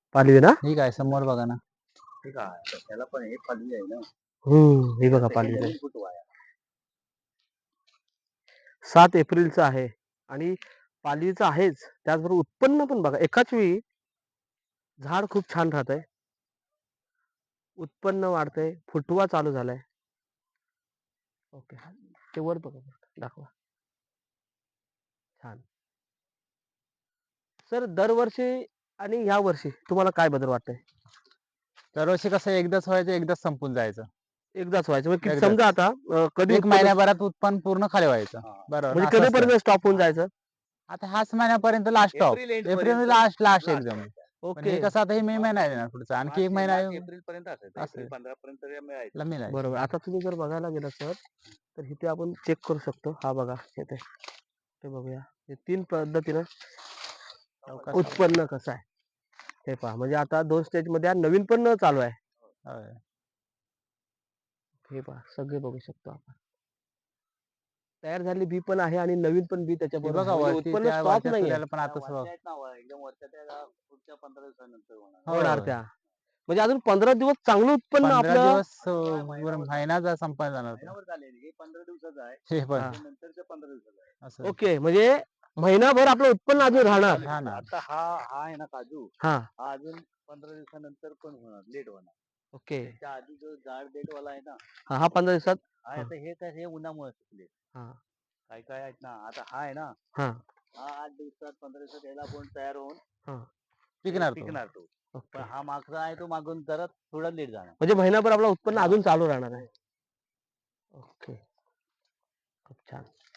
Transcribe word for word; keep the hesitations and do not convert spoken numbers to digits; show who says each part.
Speaker 1: पालवी ना
Speaker 2: ठीक आहे समोर बघा ना.
Speaker 3: ठीक आहे त्याला पण हे पालवी आहे ना.
Speaker 1: हम्म हे बघा पालवी
Speaker 3: नवीन
Speaker 1: आहे.
Speaker 3: फुटवा आहे.
Speaker 1: सात एप्रिलचं आहे आणि पालवीचं आहेच, त्याचबरोबर उत्पन्न पण बघा एकाच वेळी झाड खूप छान राहत आहे, उत्पन्न वाढतंय, फुटवा चालू झालाय. ओके ते वर बघा दाखवा. छान. सर दरवर्षी आणि ह्या वर्षी तुम्हाला काय बदल वाटतंय?
Speaker 2: दरवर्षी कसं एकदाच व्हायचं, एकदाच संपून जायचं.
Speaker 1: एकदाच व्हायचं म्हणजे किती-
Speaker 2: एकदाच.
Speaker 1: समजा आता अं, कधी
Speaker 2: एक
Speaker 1: उत्पन्न
Speaker 2: महिन्याभरात उत्पन्न पूर्ण खाली व्हायचं.
Speaker 3: हा.
Speaker 2: बरोबर
Speaker 1: म्हणजे
Speaker 2: असं असतं.
Speaker 1: कधीपर्यंत स्टॉप होऊन जायचं?
Speaker 2: आता ह्याच महिन्यापर्यंत last stop.
Speaker 3: April end
Speaker 2: April
Speaker 3: पर्यंत
Speaker 2: लास्ट लास्ट
Speaker 3: last
Speaker 2: एकदम. पण
Speaker 1: ओके
Speaker 2: हे कसं आता हे मे महिना आहे ना पुढचा, आणखी एक
Speaker 3: मार्च-
Speaker 2: महिना
Speaker 3: मार्च एप्रिल पर्यंत असायचं.
Speaker 2: असं.
Speaker 3: एप्रिल पंधरा पर्यंत मिळायचं.
Speaker 2: ला मिळायचं.
Speaker 1: बरोबर. आता तुम्ही जर बघायला गेला सर तर इथे आपण चेक करू शकतो. हा बघा इथे ते बघूया हे तीन पद्धतीनं
Speaker 2: चौकात
Speaker 1: उत्पन्न कसं आहे हे पहा. म्हणजे आता दोन स्टेज मध्ये नवीन पण चालू आहे.
Speaker 2: होय.
Speaker 1: हे पहा सगळे बघू शकतो आपण. तयार झालेली बी पण आहे आणि नवीन पण बी
Speaker 2: हे
Speaker 1: त्याच्याबरोबर
Speaker 2: बघा
Speaker 1: आहे. म्हणजे
Speaker 2: वरती
Speaker 1: उत्पन्न
Speaker 2: त्या
Speaker 1: स्टॉप
Speaker 2: वरच्या
Speaker 1: नाहीये.
Speaker 2: सूर्याला पण आता
Speaker 3: त्या
Speaker 2: सुरुवात.
Speaker 3: वरच्या आहेत ना, वर- एकदम वरच्या त्या पुढच्या पंधरा दिवसानंतर होणार.
Speaker 2: हो.
Speaker 1: होणार त्या. म्हणजे अजून पंधरा दिवस चांगलं उत्पन्न
Speaker 2: पंधरा
Speaker 1: आपलं.
Speaker 2: दिवस
Speaker 3: पंधरा
Speaker 2: अं,
Speaker 3: महिन्यावर
Speaker 2: महिना जा संपायला जाणार तो.
Speaker 3: महिनाभर झाले. हे पंधरा दिवसाचं आहे.
Speaker 2: हे पण
Speaker 1: हा.
Speaker 3: ते नंतरचं पंधरा दिवसाचं आहे.
Speaker 2: असं
Speaker 1: ओके म्हणजे महिनाभर आपलं उत्पन्न अजून राहणार.
Speaker 2: हा ना.
Speaker 3: आता हा हा आहे ना काजू,
Speaker 1: हा
Speaker 3: हा अजून पंधरा दिवसानंतर पण होणार, लेट होणार.
Speaker 1: ओके.
Speaker 3: त्याच्या आधी जो जाड डेट वाला आहे ना,
Speaker 1: हा हा पंधरा दिवसात.
Speaker 3: हा
Speaker 1: हा.
Speaker 3: आता हे काय हे उन्हामुळे सुकले.
Speaker 1: हा
Speaker 3: काय काय आहेत ना, आता हा आहे ना,
Speaker 1: हा
Speaker 3: हा आठ दिवसात पंधरा दिवसात याला आपण तयार होऊन
Speaker 1: हा
Speaker 2: पिकणार तो.
Speaker 3: पिकणार तो.
Speaker 1: ओके.
Speaker 3: पण हा मागचा आहे तो मागून जरा थोडा लेट जाणार.
Speaker 1: म्हणजे महिनाभर आपलं उत्पन्न अजून चालू राहणार आहे. ओके खूप छान.